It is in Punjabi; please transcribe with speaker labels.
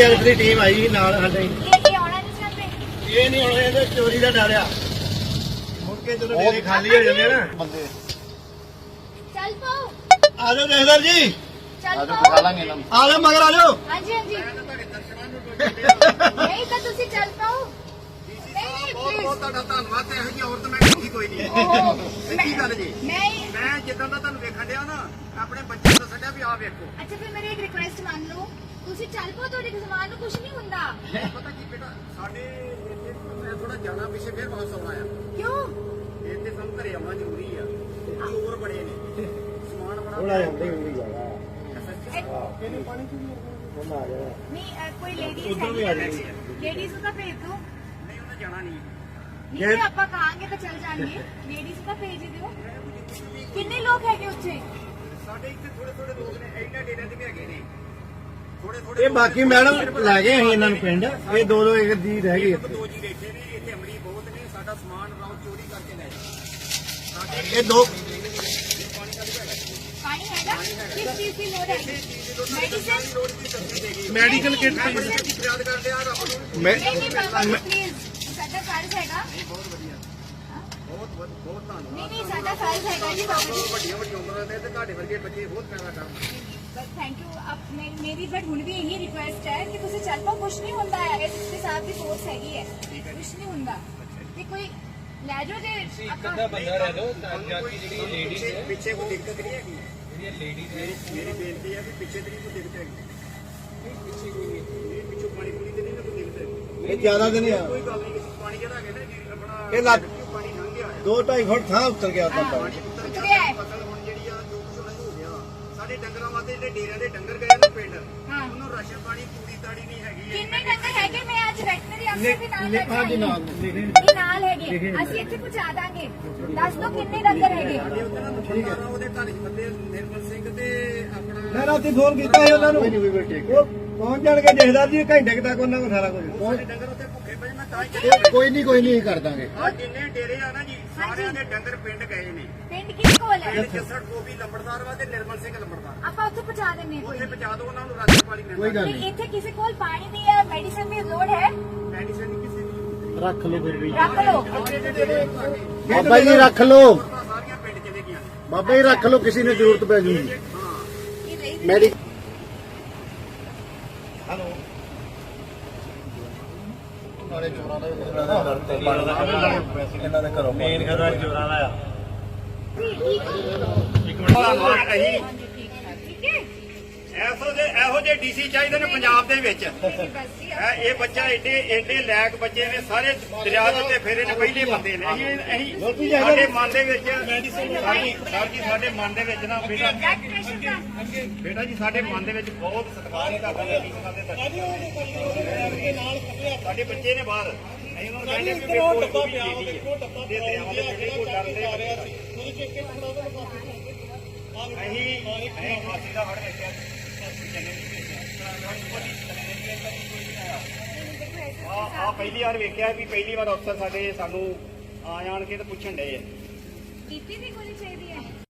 Speaker 1: DRF ਦੀ ਟੀਮ ਆਈ ਸੀ ਨਾਲ ਸਾਡੇ।
Speaker 2: ਇਹ ਆਉਣਾ ਨਹੀਂ ਚਾਹੁੰਦੇ।
Speaker 1: ਇਹ ਨਹੀਂ ਹੁਣ ਇਹਦੇ ਚੋਰੀ ਦਾ ਡਰ ਆ। ਮੁੜ ਕੇ ਜਦੋਂ ਡੇਰੇ ਖਾਲੀ ਹੋ ਜਾਂਦੇ ਨਾ ਬੰਦੇ।
Speaker 2: ਚੱਲ ਪਾਓ।
Speaker 1: ਆ ਜਾਓ ਜਹਦਰ ਜੀ।
Speaker 2: ਚੱਲ ਪਾਓ।
Speaker 1: ਆ ਜਾਓ ਮਗਰ ਆ ਜਾਓ।
Speaker 2: ਹਾਂਜੀ ਹਾਂਜੀ। ਨਹੀਂ ਤਾਂ ਤੁਸੀਂ ਚੱਲ ਪਾਓ। ਨਹੀਂ
Speaker 3: ਬਹੁਤ
Speaker 2: ਪਲੀਜ਼।
Speaker 3: ਬਹੁਤ ਤੁਹਾਡਾ ਧੰਨਵਾਦ ਤੇ ਇਹੋ ਜਿਹੀ ਔਰਤ ਮੈਂ ਦੇਖੀ ਕੋਈ ਨਹੀਂ। ਸੱਚੀ ਗੱਲ ਜੀ। ਮੈਂ ਜਿੱਦਾਂ ਦਾ ਤੁਹਾਨੂੰ ਵੇਖਣ ਡਿਆ ਨਾ ਆਪਣੇ ਬੱਚਿਆਂ ਨੂੰ ਛੱਡਿਆ ਵੀ ਆਹ ਵੇਖੋ।
Speaker 2: ਅੱਛਾ ਫਿਰ ਮੇਰੀ ਇੱਕ ਰਿਕੁਐਸਟ ਮੰਨ ਲਓ ਤੁਸੀਂ ਚੱਲ ਪਾਓ ਤੁਹਾਡੇ ਸਮਾਨ ਨੂੰ ਕੁਝ ਨਹੀਂ ਹੁੰਦਾ।
Speaker 3: ਪਤਾ ਕੀ ਬੇਟਾ ਸਾਡੇ ਇੱਥੇ ਥੋੜਾ ਜਾਣਾ ਪਿੱਛੇ ਫਿਰ ਵਾਪਸ ਆਉਣਾ ਆ।
Speaker 2: ਕਿਉਂ?
Speaker 3: ਇੱਥੇ ਸਾਨੂੰ ਘਰੇ ਆਉਣਾ ਜ਼ਰੂਰੀ ਆ। ਚੋਰ ਬੜੇ ਨੇ ਸਮਾਨ ਬੜਾ
Speaker 1: ਥੋੜਾ ਜਾਂਦੇ ਹੁੰਦੀ ਜਾਗਾ।
Speaker 3: ਕਿਹਨੇ ਪਾਣੀ ਚ
Speaker 1: ਉਹਨਾਂ ਆ ਜਾਣਾ।
Speaker 2: ਨਹੀਂ ਕੋਈ ਲੇਡੀਜ਼
Speaker 1: ਉੱਧਰ ਵੀ ਆ ਜਾਣੀ।
Speaker 2: ਲੇਡੀਜ਼ ਨੂੰ ਤਾਂ ਭੇਜ ਦਿਓ।
Speaker 3: ਨਹੀਂ ਉਹਨੇ ਜਾਣਾ ਨਹੀਂ।
Speaker 2: ਜੇ ਆਪਾਂ ਕਹਾਂਗੇ ਤਾਂ ਚੱਲ ਜਾਣਗੇ। ਲੇਡੀਜ਼ ਤਾਂ ਭੇਜ ਦਿਓ। ਕਿੰਨੇ ਲੋਕ ਹੈਗੇ ਉੱਥੇ?
Speaker 3: ਸਾਡੇ ਇੱਥੇ ਥੋੜੇ ਥੋੜੇ ਲੋਕ ਨੇ ਇਹਨਾਂ ਡੇਰਿਆਂ ਤੇ ਵੀ ਹੈਗੇ ਨੇ ਥੋੜੇ ਥੋੜੇ।
Speaker 1: ਇਹ ਬਾਕੀ ਮੈਡਮ ਲੈ ਗਏ ਅਸੀਂ ਇਹਨਾਂ ਨੂੰ ਪਿੰਡ। ਇਹ ਦੋ ਦੋ ਇੱਕ ਦੀ ਰਹਿ ਗਈ
Speaker 3: ਇੱਕ
Speaker 1: ਇੱਥੇ।
Speaker 3: ਦੋ ਜੀ ਬੈਠੇ ਨੇ ਇੱਥੇ ਅਮਲੀ ਬਹੁਤ ਨੇ ਸਾਡਾ ਸਮਾਨ ਰਾਉ ਚੋਰੀ ਕਰਕੇ ਲੈ ਜਾਂਦੇ ਸਾਡੇ
Speaker 1: ਇਹ ਦੋ
Speaker 3: ਪਾਣੀ ਦਾ ਵੀ ਹੈਗਾ
Speaker 2: ਪਾਣੀ ਹੈਗਾ? ਕਿਸ ਚੀਜ਼ ਦੀ ਲੋੜ ਹੈ? ਮੈਡੀਸਨ?
Speaker 3: ਲੋੜ ਦੀ ਸਬਜ਼ੀ ਦੇਗੀ
Speaker 1: ਮੈਡੀਕਲ ਕਿੱਟ
Speaker 3: ਫਰਿਆਦ ਕਰਦੇ ਆ ਰੱਬ ਨੂੰ।
Speaker 2: ਨਹੀਂ ਨਹੀਂ ਬਾਬਾ ਜੀ ਪਲੀਜ਼ ਸਾਡਾ ਫਰਜ਼ ਹੈਗਾ।
Speaker 3: ਬਹੁਤ ਵਧੀਆ ਬਹੁਤ ਧੰਨਵਾਦ।
Speaker 2: ਨਹੀਂ ਨਹੀਂ ਸਾਡਾ ਫਰਜ਼ ਹੈਗਾ ਜੀ ਬਾਬਾ ਜੀ।
Speaker 3: ਵੱਡੀਆਂ ਵੱਡੀਆਂ ਉਮਰਾਂ ਦੇ ਤੇ ਤੁਹਾਡੇ ਵਰਗੇ ਬੱਚੇ ਬਹੁਤ ਪੈਦਾ ਕਰਨ।
Speaker 2: ਬਸ ਥੈਂਕ ਯੂ। ਅਬ ਮੇਰੀ ਬਟ ਹੁਣ ਵੀ ਇਹੀ ਰਿਕੁਐਸਟ ਹੈ ਕਿ ਤੁਸੀਂ ਚੱਲ ਪਾਓ। ਕੁਝ ਨਹੀਂ ਹੁੰਦਾ ਹੈ। ਇਸ ਸਾਥ ਦੀ ਫੋਰਸ ਹੈਗੀ ਹੈ। ਕੁਝ ਨਹੀਂ ਹੁੰਦਾ ਤੇ ਕੋਈ ਲੈ ਜਾਓ ਜੇ ਆਪਾਂ
Speaker 4: ਬੰਦਾ ਰਹਿ ਲੋ ਤਾਂ ਜਾਤੀ ਜਿਹੜੀ ਲੇਡੀਜ਼ ਹੈ
Speaker 3: ਪਿੱਛੇ ਕੋਈ ਦਿੱਕਤ ਨਹੀਂ ਹੈਗੀ।
Speaker 4: ਜਿਹੜੀਆਂ ਲੇਡੀਜ਼ ਹੈ
Speaker 3: ਮੇਰੀ ਬੇਨਤੀ ਹੈ ਕਿ ਪਿੱਛੇ ਤੇ ਨਹੀਂ ਕੋਈ ਦਿੱਕਤ ਹੈਗੀ। ਪਿੱਛੇ ਕੋਈ ਨਹੀਂ ਪਿੱਛੋਂ ਪਾਣੀ ਪੂਰੀ ਤੇ ਨਹੀਂ ਕੋਈ ਦਿੱਕਤ ਹੈਗੀ।
Speaker 1: ਇਹ ਜ਼ਿਆਦਾ ਦਿਨ ਆ।
Speaker 3: ਕੋਈ ਗੱਲ ਨਹੀਂ ਪਾਣੀ ਜਿਹੜਾ ਹੈਗਾ ਨਾ ਜੀ ਆਪਣਾ
Speaker 1: ਇਹ ਲੱਗ
Speaker 3: ਪਾਣੀ ਲੰਘ ਗਿਆ
Speaker 1: 2-2.5 ਫੁੱਟ ਥਾਂ ਉੱਤਰ ਗਿਆ ਤਾਂ
Speaker 3: ਪਾਣੀ ਉੱਤਰ ਗਿਆ ਫਸਲ ਹੁਣ ਜਿਹੜੀ ਆ ਜੋ ਕੁਝ ਉਹਨਾਂ ਨੂੰ ਹੋ ਗਿਆ ਸਾਡੇ ਡੰਗਰਾਂ ਵਾਸਤੇ ਜਿਹੜੇ ਡੇਰਿਆਂ ਦੇ ਡੰਗਰ ਗਏ ਨਾ ਪਿੰਡ
Speaker 2: ਹਾਂ
Speaker 3: ਉਹਨੂੰ ਰਾਸ਼ਨ ਪਾਣੀ ਪੂਰੀ ਤਾੜੀ ਨਹੀਂ ਹੈਗੀ।
Speaker 2: ਕਿੰਨੇ ਡੰਗਰ ਹੈਗੇ? ਮੈਂ ਅੱਜ ਵੈਟਨਰੀ ਅਫਸਰ ਦੇ ਨਾਲ ਬੈਠਾ
Speaker 1: ਹਾਂਜੀ ਨਾਲ
Speaker 2: ਇਹ ਨਾਲ ਹੈਗੇ। ਅਸੀਂ ਇੱਥੇ ਪਹੁੰਚਾ ਦਾਂਗੇ। ਦੱਸ ਦਿਓ ਕਿੰਨੇ ਡੰਗਰ ਹੈਗੇ?
Speaker 3: ਠੀਕ ਹੈ ਉਹਦੇ ਘਰ ਚ ਬੰਦੇ ਨਿਰਮਲ ਸਿੰਘ ਤੇ ਆਪਣਾ
Speaker 1: ਮੈਂ ਰਾਤੀ ਫੋਨ ਕੀਤਾ ਸੀ ਉਹਨਾਂ ਨੂੰ। ਉਹ ਪਹੁੰਚ ਜਾਣਗੇ ਜਹਦਰ ਜੀ ਘੰਟੇ ਤੱਕ ਉਹਨਾਂ ਕੋਲ ਸਾਰਾ ਕੁਝ।
Speaker 3: ਸਾਡੇ ਡੰਗਰ ਉੱਥੇ ਭੁੱਖੇ ਪਏ ਮੈਂ ਤਾਂ ਹੀ
Speaker 1: ਕੋਈ ਨਹੀਂ ਕਰ ਦਾਂਗੇ।
Speaker 3: ਆ ਜਿੰਨੇ ਡੇਰੇ ਆ ਨਾ ਜੀ ਸਾਰਿਆਂ ਦੇ ਡੰਗਰ ਪਿੰਡ ਗਏ ਨੇ।
Speaker 2: ਪਿੰਡ ਕਿਸ ਕੋਲ ਹੈ?
Speaker 3: ਪਿੰਡ ਜੱਸੜ ਗੋਬੀ ਲੰਬੜਦਾਰ ਵਾ ਤੇ ਨਿਰਮਲ ਸਿੰਘ ਲੰਬੜਦਾਰ
Speaker 2: ਆਪਾਂ ਉੱਥੇ ਪਹੁੰਚਾ ਦਿੰਨੇ ਕੋਈ
Speaker 3: ਉੱਥੇ ਪਹੁੰਚਾ ਦਿਓ ਉਹਨਾਂ ਨੂੰ ਰਾਸ਼ਨ ਪਾਣੀ ਮਿਲਦਾ।
Speaker 1: ਕੋਈ ਗੱਲ
Speaker 2: ਨਹੀਂ।
Speaker 1: ਨਹੀਂ।
Speaker 2: ਇੱਥੇ ਕਿਸੇ ਕੋਲ ਪਾਣੀ ਦੀ ਜਾਂ ਮੈਡੀਸਨ ਦੀ ਲੋੜ ਹੈ?
Speaker 3: ਮੈਡੀਸਨ ਨਹੀਂ ਕਿਸੇ ਦੀ
Speaker 1: ਰੱਖ ਲਓ ਫਿਰ ਵੀ।
Speaker 2: ਰੱਖ ਲਓ।
Speaker 1: ਬਾਬਾ ਜੀ ਰੱਖ ਲਓ।
Speaker 3: ਸਾਰੀਆਂ ਪਿੰਡ ਚਲੇ ਗਈਆਂ ਨੇ।
Speaker 1: ਬਾਬਾ ਜੀ ਰੱਖ ਲਓ ਕਿਸੇ ਨੂੰ ਜ਼ਰੂਰਤ ਪੈ ਜੂਗੀ।
Speaker 2: ਇਹ ਰਹੀ
Speaker 1: ਮੈਡੀ ਹਲੋ ਨਾਲੇ ਚੋਰਾਂ ਦਾ ਇਹਨਾਂ ਦੇ ਘਰੋਂ ਮੇਨ ਘਰਾਂ ਚੋਰਾਂ ਦਾ ਆ।
Speaker 2: ਠੀਕ ਹੈ।
Speaker 3: ਅਸੀਂ
Speaker 2: ਠੀਕ ਹੈ।
Speaker 3: ਇਹੋ ਜਿਹੇ ਡੀਸੀ ਚਾਹੀਦੇ ਨੇ ਪੰਜਾਬ ਦੇ ਵਿੱਚ।
Speaker 2: ਬਸ ਜੀ
Speaker 3: ਇਹ ਬੱਚਾ ਏਡੇ ਲੈਕ ਬੱਚੇ ਨੇ ਸਾਰੇ ਦਰਿਆ ਦੇ ਉੱਤੇ ਫੇਰੇ ਨੇ ਪਹਿਲੇ ਬੰਦੇ ਨੇ। ਅਸੀਂ ਸਾਡੇ ਮਨ ਦੇ ਵਿੱਚ ਸਰ ਜੀ ਸਾਡੇ ਮਨ ਦੇ ਵਿੱਚ ਨਾ ਬੇਟਾ
Speaker 2: ਬਲੱਡ ਪ੍ਰੈਸ਼ਰ ਦਾ
Speaker 3: ਬੇਟਾ ਜੀ ਸਾਡੇ ਮਨ ਦੇ ਵਿੱਚ ਬਹੁਤ ਸਤਿਕਾਰ ਹੈ ਤੁਹਾਡਾ ਜੀ ਸਾਡੇ ਬੱਚੇ ਨੇ ਬਾਹਰ ਅਸੀਂ ਉਹਨਾਂ ਨੂੰ ਕਹਿੰਦੇ ਵੀ ਕੋਈ ਡੱਬਾ ਪਿਆ ਦੇਖੋ ਡੱਬਾ ਦੇ ਦਰਿਆਵਾਂ ਦੇ ਜਿਹੜੇ ਕੋਈ ਡਰਦੇ ਆ ਰਿਹਾ ਸੀ ਅਸੀਂ ਫਾਸੀ ਦਾ ਹੜ ਵੇਖਿਆ ਆ ਪਹਿਲੀ ਵਾਰ ਵੇਖਿਆ ਵੀ ਪਹਿਲੀ ਵਾਰ ਅਫਸਰ ਸਾਡੇ ਸਾਨੂੰ ਆ ਜਾਣ ਕੇ ਤੇ ਪੁੱਛਣ ਡਏ ਆ
Speaker 2: ਬੀਪੀ ਦੀ ਗੋਲੀ ਚਾਹੀਦੀ ਹੈ?